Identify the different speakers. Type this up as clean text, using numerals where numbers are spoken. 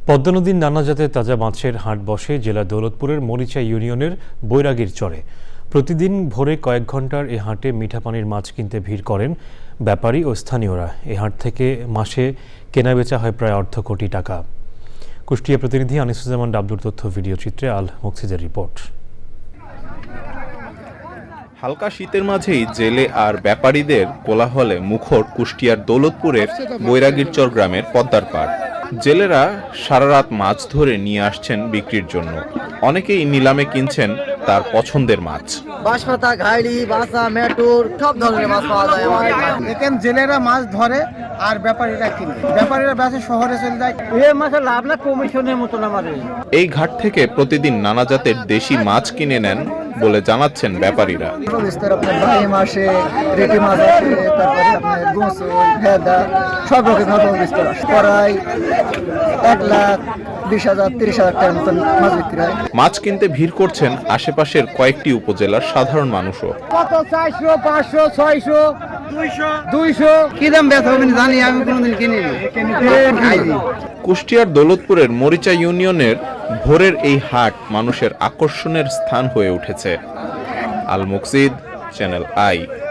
Speaker 1: পদ্মা নদীর নানা জাতের তাজা মাছের হাট বসে জেলা দৌলতপুরের মরিচা ইউনিয়নের বৈরাগীর চরে। প্রতিদিন ভোরে কয়েক ঘন্টার এ হাটে মিঠা পানির মাছ কিনতে ভিড় করেন ব্যাপারী ও স্থানীয়রা। এ হাট থেকে মাসে কেনাবেচা হয় প্রায় অর্ধ কোটি টাকা। কুষ্টিয়া প্রতিনিধি আনিসুজ্জামান ডাবলুর তথ্য ভিডিও চিত্রে আল মুকসিদের রিপোর্ট।
Speaker 2: হালকা শীতের মাঝেই জেলে আর ব্যাপারীদের কোলাহলে মুখর কুষ্টিয়ার দৌলতপুরের বৈরাগীর চর গ্রামের পদ্মার পাড়। জেলেরা সারা রাত মাছ ধরে নিয়ে আসছেন বিক্রির জন্য। অনেকেই নিলামে কিনছেন তার পছন্দের মাছ।
Speaker 3: বাঁশপাতা, ঘাইড়ি, বাসা, মেটুর সব ধরনের মাছ পাওয়া যায় আমাদের।
Speaker 4: এখানে জেলেরা মাছ ধরে আর ব্যাপারীরা কিনে, ব্যাপারীরা বেচে শহরে চলে যায়।
Speaker 3: এই মাছের লাভ না কমিশনের মতন আমাদের।
Speaker 2: এই ঘাট থেকে প্রতিদিন নানা জাতের দেশি মাছ কিনে নেন বলে জানাচ্ছেন ব্যাপারীরা।
Speaker 3: আপনার ভাই মাসে রেটি মাছ আছে, তারপরে আপনার গোসল, ভেদা সব রকমের বিস্তার আছে। প্রায় 1,20,000 30,000 টাকার মতন মাছ বিক্রি হয়।
Speaker 2: মাছ কিনতে ভিড় করছেন আশেপাশের কয়েকটি উপজেলার সাধারণ মানুষও।
Speaker 4: কত 400, 500, 600, 200
Speaker 3: কি দাম বেচা হবে জানি, আমি কোনোদিন কিনিনি।
Speaker 2: কুষ্টিয়ার দৌলতপুরের মরিচা ইউনিয়নের ভোরের এই হাট মানুষের আকর্ষণের স্থান হয়ে উঠেছে। Al Muksid, channel I.